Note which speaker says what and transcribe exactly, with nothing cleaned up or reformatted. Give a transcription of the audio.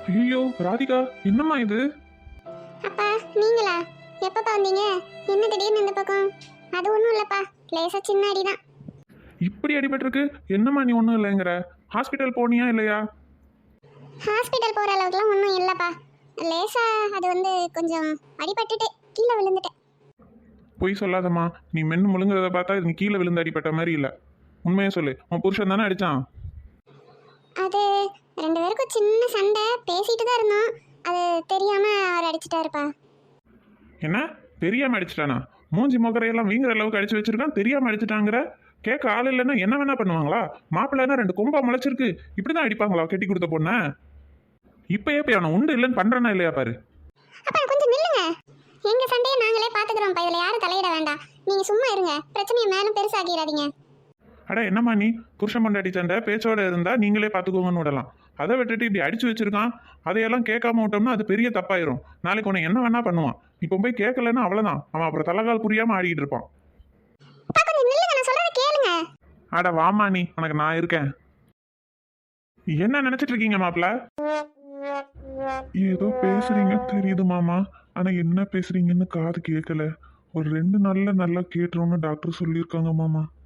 Speaker 1: ஐயோ ராதிகா, என்னம்மா இது?
Speaker 2: அப்பா நீங்களா? எப்பப்பா வந்தீங்க? என்ன திடீர்னு இந்த பக்கம்? அது ஒன்றும் இல்லைப்பா, லேசா சின்ன அடிதான்.
Speaker 1: இப்படி அடிபட்டிருக்கு, என்னம்மா நீ ஒன்றும் இல்லைங்கிற? ஹாஸ்பிட்டல் போனியா இல்லையா?
Speaker 2: ஹாஸ்பிட்டல் போகிற அளவுக்குலாம் ஒன்றும் இல்லைப்பா, லேசா அது வந்து கொஞ்சம் அடிபட்டுட்டு கீழே விழுந்துட்டேன்.
Speaker 1: பொய் சொல்லாதம்மா, நீ மென்னு முழுங்குறத பார்த்தா இது நீ கீழே விழுந்து அடிபட்ட மாதிரி இல்லை. உண்மையை சொல்லு, உன் புருஷன் தானே அடிச்சான்?
Speaker 2: அது ரெண்டு பேருக்கும் சின்ன சண்டை, பேசிட்டு தான் இருந்தோம். அது தெரியாம அவர் அடிச்சிட்டாருப்பா.
Speaker 1: என்ன தெரியாம அடிச்சிட்டானா? மூஞ்சி முகரையெல்லாம் வீங்குற அளவுக்கு அடிச்சு வச்சிருக்கான், தெரியாம அடிச்சிட்டாங்கிற? கேட்க ஆள் இல்லைன்னா என்ன வேணா பண்ணுவாங்களா? மாப்பிள்ளைன்னா ரெண்டு கொம்பா முளைச்சிருக்கு, இப்படிதான் அடிப்பாங்களா கெட்டி கொடுத்த பொண்ண? இப்பயே போய் அவனை உண்டு இல்லைன்னு பண்றனா இல்லையா பாரு.
Speaker 2: அப்பா கொஞ்சம் நில்லுங்க, எங்க சண்டையை நாங்களே பாத்துக்கிறோம்ப்பா, இதுல யாரும் தலையிட வேண்டாம். நீங்க சும்மா இருங்க, பிரச்சனையை மேலும் பெருசாக்கிடாதீங்க.
Speaker 1: அட என்னம்மா நீ, புருஷன் பொண்டாட்டி சண்டை பேச்சோட இருந்தா நீங்களே பார்த்துக்கோங்கன்னு விடலாம். அதை விட்டுட்டு இப்படி அடிச்சு வச்சிருக்கான், அதையெல்லாம் கேட்காம விட்டோம்னா அது பெரிய தப்பாயிரும். நாளைக்கு உன்னை என்ன வேணா பண்ணுவான். இப்போ போய் கேட்கலன்னா அவ்வளோதான், அவன் அப்புறம் தலைகால் புரியாம ஆடிக்கிட்டு இருப்பான்.
Speaker 2: அப்பா கொஞ்சம் நில்லுங்க, நான் சொல்றதை கேளுங்க.
Speaker 1: அட வாமா நீ, உனக்கு நான் இருக்கேன். என்ன நினைச்சிட்டு இருக்கீங்க மாப்பிள்ள? ஏதோ பேசுறீங்க தெரியுது மாமா, ஆனா என்ன பேசுறீங்கன்னு காது கேட்கல. ஒரு ரெண்டு நாள்ல நல்லா கேட்டுருவோம்னு டாக்டர் சொல்லியிருக்காங்க மாமா.